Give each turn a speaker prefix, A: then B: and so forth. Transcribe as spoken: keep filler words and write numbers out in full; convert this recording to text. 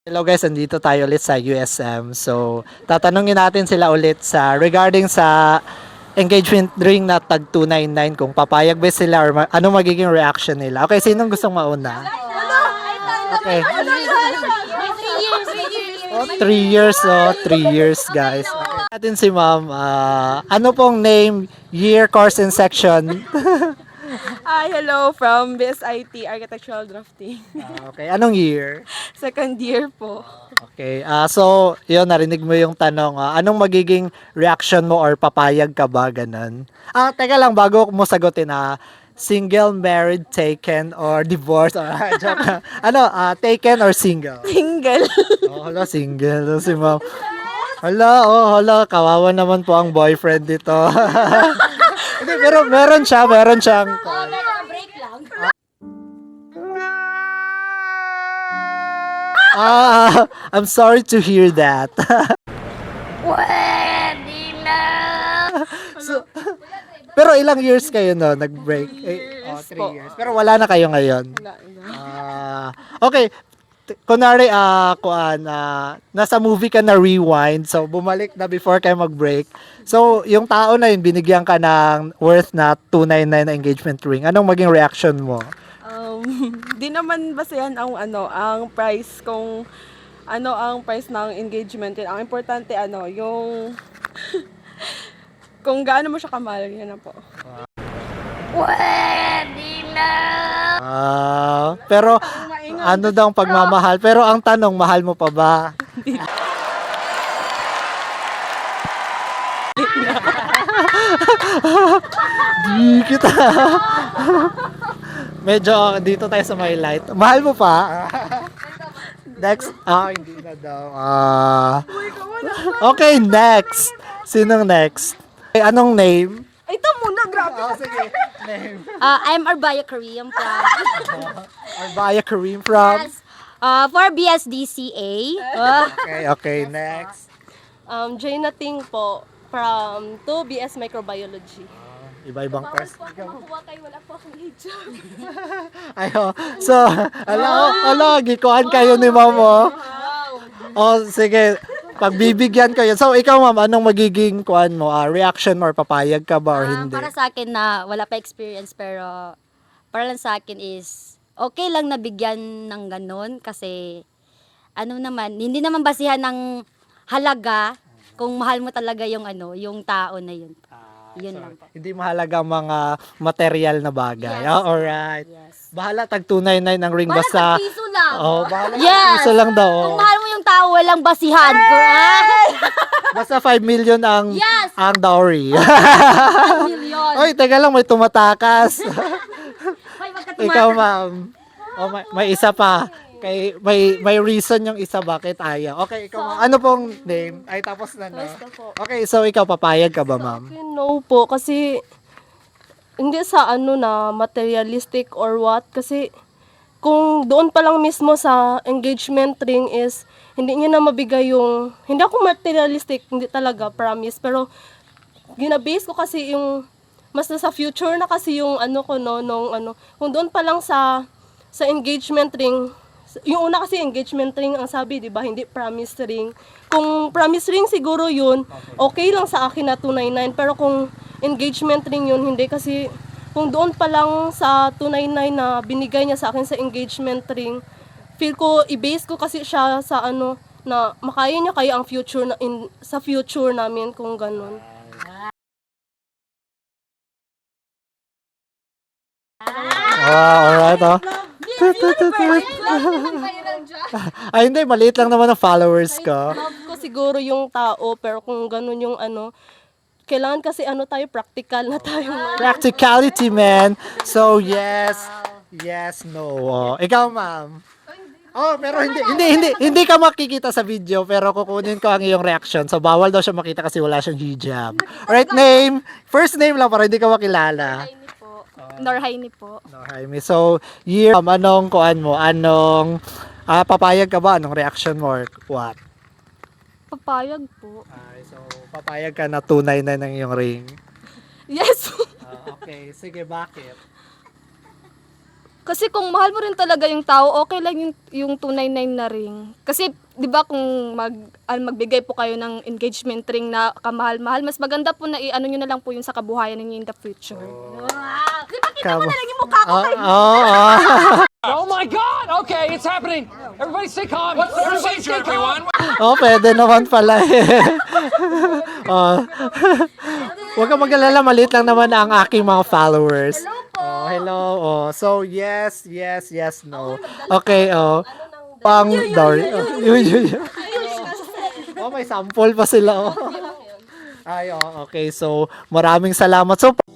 A: Hello guys, andito tayo ulit sa U S M. So, tatanungin natin sila ulit sa regarding sa engagement ring na tag two ninety-nine kung papayag ba sila or ma- ano magiging reaction nila. Okay, sinong gustong mauna? Okay. Oh, three years, oh, three years guys. Okay. Natin si ma'am, ah, ano pong name, year, course, and section?
B: Hi, hello from B S I T Architectural Drafting.
A: Ah, okay, anong year?
B: Second year po.
A: Okay. Ah, so, yun, narinig mo yung tanong. ah, anong magiging reaction mo or papayag ka ba? Ganun. Ah, teka lang, bago mo sagutin, ah, single, married, taken, or divorced? Or, joke lang. Ano, ah, taken or single?
B: Single.
A: Oh, hala, single. Si ma'am. Hala, oh, hala, kawawa naman po ang boyfriend dito. Hindi, pero meron siya, meron siyang... Ah, I'm sorry to hear that.
C: Pwede na.
A: So, pero ilang years kayo no nag-break? Eh, oh, three
B: po.
A: years. Pero wala na kayo ngayon.
B: Wala na.
A: Ah, okay. T- Kunwari, ah, kuan, ah, nasa movie ka na rewind, so bumalik na before kayo mag-break. So, yung tao na yun, binigyan ka ng worth na two ninety-nine na engagement ring. Anong maging reaction mo?
B: Um, di naman basehan ang ano, ang price kung ano ang price ng engagement. Ang importante ano, yung kung gaano mo siya kamahal, yan na po.
C: Pwede na.
A: Ah, pero ano daw ang pagmamahal? Pero ang tanong, mahal mo pa ba? Di kita. Medyo dito tayo sa may light. Mahal mo pa? Next. Ah, hindi na daw. Ah. Okay, next. Sinong next? Okay, anong name?
B: Ay, ito muna, grabe.
A: Oh, sige. Name.
C: Uh, I'm Arbaya Korean from
A: Arbaya Kareem from?
C: yes, uh, for B S D C A. Uh,
A: Okay, okay, next.
B: Um, Jaina Ting po from two B S Microbiology.
A: Iba-ibang test.
B: Makuha kayo, wala po akong hijab.
A: Ayo. So, ala, ala, gikuan kayo ni mamo. Oh, sige. Pagbibigyan ko yun. So, ikaw ma'am, anong magiging kuan mo? Ah, reaction mo or papayag ka ba or
C: um,
A: hindi?
C: para sa akin na wala pa experience pero para lang sa akin is okay lang na bigyan ng ganun kasi ano naman, hindi naman basihan ng halaga kung mahal mo talaga yung ano, yung tao na yun.
A: Ah,
C: Yun
A: so,
C: lang po.
A: hindi mahalaga ang mga material na bagay.
C: Yes.
A: Ah, alright.
C: Yes.
A: Bahala tag two ninety-nine ang ring
C: Para
A: basta.
C: sa piso lang.
A: Oh, bahala
C: Yes.
A: piso lang daw.
C: Kung
A: oh.
C: mahal mo yung tao, walang basihan. Ah,
A: Basta five million ang
C: Yes.
A: ang dowry.
C: million.
A: Oy, teka lang, may tumatakas.
C: May magkatumata.
A: Ikaw, ma'am. Oh, may, may isa pa. Kay may may reason yung isa bakit ayaw. Okay, ikaw ma'am. Ano pong name? Ay tapos na no.
B: Basta po.
A: Okay, so ikaw papayag ka ba, ma'am?
B: Okay, no po, kasi hindi sa ano na materialistic or what, kasi kung doon pa lang mismo sa engagement ring is hindi niya na mabigay yung, hindi ako materialistic, hindi talaga, promise, pero ginabase ko kasi yung mas nasa future na kasi yung ano ko no, nung ano, kung doon pa lang sa sa engagement ring, yung una kasi engagement ring ang sabi, 'di ba? Hindi promise ring. Kung promise ring siguro 'yun, okay lang sa akin na two ninety-nine, pero kung engagement ring 'yun, hindi kasi kung doon pa lang sa two ninety-nine na binigay niya sa akin sa engagement ring, feel ko i-base ko kasi siya sa ano na makaya niya kaya ang future na in, sa future namin kung ganun.
A: Wow, alright, oh. Ay, hindi, maliit lang naman ang followers ko.
B: Love ko siguro yung tao, pero kung ganun yung ano, kailangan kasi ano tayo, practical na tayo.
A: Practicality, man. So, yes. Yes, no. Oh, ikaw, ma'am. Oh, pero hindi hindi hindi hindi ka makikita sa video pero kukunin ko ang iyong reaction. So bawal daw siya makita kasi wala siyang hijab. Alright, name. First name lang para hindi ka makilala.
C: Norhaini po. Norhaini po.
A: No, Jaime. So, year, um, anong kuan mo? Anong ah, papayag ka ba? Anong reaction mo or what?
C: Papayag po.
A: Ay, so papayag ka na two ninety-nine ang iyong ring.
B: Yes.
A: Ah, okay, sige, bakit?
D: Kasi kung mahal mo rin talaga yung tao, okay lang yung, yung two ninety-nine na ring. Kasi, di ba, kung mag, ah, magbigay po kayo ng engagement ring na kamahal-mahal, mas maganda po na i-ano nyo na lang po yung sa kabuhayan ninyo in the future. Di ba, kita mo
A: Kabo.
D: na lang yung mukha ko
A: Oh,
D: kay
A: oh, oh.
E: Oh my God! Okay, it's happening. Everybody stay calm. What's the procedure, everyone?
A: Oh, pwede naman pala eh. oh. Huwag kang mag-alala, maliit lang naman ang aking mga followers. Oh, hello. Oh, so yes, yes, yes, no. Okay, oh. Pang Dory. Oh, yun, yun, yun. Oh, may sample pa sila. Oh. Ay, oh, okay. So, maraming salamat. So,